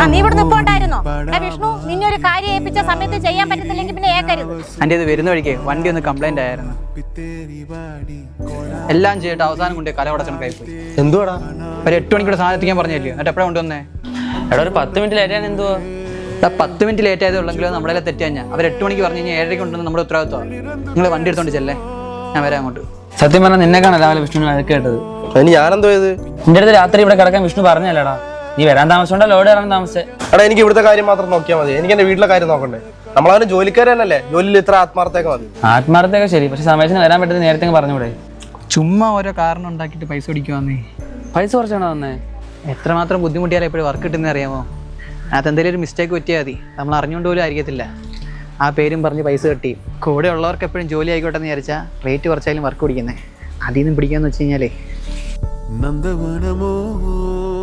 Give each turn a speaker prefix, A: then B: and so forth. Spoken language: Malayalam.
A: നീ ഇവിടെ നിൽപ്പുണ്ടായിരുന്നോ? വിഷ്ണു, നിന്നെ ഒരു കാര്യം ഏൽപ്പിച്ച സമയത്ത് ചെയ്യാൻ പറ്റത്തില്ലെങ്കിൽ പിന്നെ ഏക്കരുത്.
B: എൻ്റെ ഇത് വരുന്ന വഴിക്ക് വണ്ടി ഒന്ന് കംപ്ലൈന്റ് ആയിരുന്നു. എല്ലാം ചെയ്തിട്ട് അവസാനം കൊണ്ട് കലവടച്ചണക്കായി പോയി.
C: എന്തുവാടാ?
B: ഒരു 8 മണിക്കൂടെ സാധനം എത്തിക്കാൻ പറഞ്ഞില്ലേ? എന്നിട്ട് എപ്പോഴാണ് കൊണ്ടുവന്നേ?
D: എടാ ഒരു 10 മിനിറ്റ് ലേറ്റാണ്. എന്തുവാ
B: 10 മിനിറ്റ് ലേറ്റ് ആയതുള്ളെങ്കിലും നമ്മളെ തെറ്റാ. ഞാൻ അവർ 8 മണിക്ക് പറഞ്ഞു കഴിഞ്ഞാൽ 7:30 കൊണ്ടുവന്ന് നമ്മുടെ ഉത്തരവാദിത്വമാണ്. നിങ്ങൾ വണ്ടി എടുത്തോണ്ട് ചെല്ലേ, ഞാൻ വരാം അങ്ങോട്ട്.
D: സത്യം പറഞ്ഞാൽ നിന്നെക്കാണ് രാവിലെ വിഷ്ണുവിന് വഴക്ക് കേട്ടത്.
C: അതിന് ഞാനെന്തോ ചെയ്ത്?
D: നിന്റെ അടുത്ത് രാത്രി ഇവിടെ കിടക്കാൻ വിഷ്ണു പറഞ്ഞല്ലേടാ? നീ വരാൻ താമസിച്ചോണ്ടാ ലോഡ് ഇറങ്ങാൻ താമസിച്ചേ.
C: എടാ എനിക്ക് ഇവിടുത്തെ കാര്യം മാത്രം നോക്കിയാൽ മതി. എനിക്ക് എന്റെ വീട്ടിലെ കാര്യം നോക്കണ്ടേ? നമ്മളവന് ജോലിക്കാരനല്ലേ, ജോലിയിൽ ഇത്ര ആത്മാർത്ഥയൊക്കെ മതി.
D: ആത്മാർത്ഥയൊക്കെ ശരി, പക്ഷെ സമയത്തിന് വരാൻ പറ്റുന്ന നേരത്തെ പറഞ്ഞൂടെ?
B: ചുമ്മാ ഓരോ കാരണം ഉണ്ടാക്കിയിട്ട് പൈസ പിടിക്കുവാന്നേ.
D: പൈസ കുറച്ചാണോ വന്നേ?
B: എത്രമാത്രം ബുദ്ധിമുട്ടിയാലും എപ്പോഴും വർക്ക് കിട്ടുന്നത് അറിയാമോ? അത് എന്തെങ്കിലും ഒരു മിസ്റ്റേക്ക് പറ്റിയാൽ മതി, നമ്മൾ അറിഞ്ഞുകൊണ്ട് പോലും ആയിരിക്കത്തില്ല. ആ പേരും പറഞ്ഞ് പൈസ കിട്ടി. കൂടെ ഉള്ളവർക്ക് എപ്പോഴും ജോലി ആയിക്കോട്ടെ എന്ന് വിചാരിച്ചാൽ റേറ്റ് കുറച്ചായാലും വർക്ക് പിടിക്കുന്നത്. അതിൽ നിന്ന് പിടിക്കാന്ന് വെച്ച് കഴിഞ്ഞാലേ
E: നന്ദവനമോ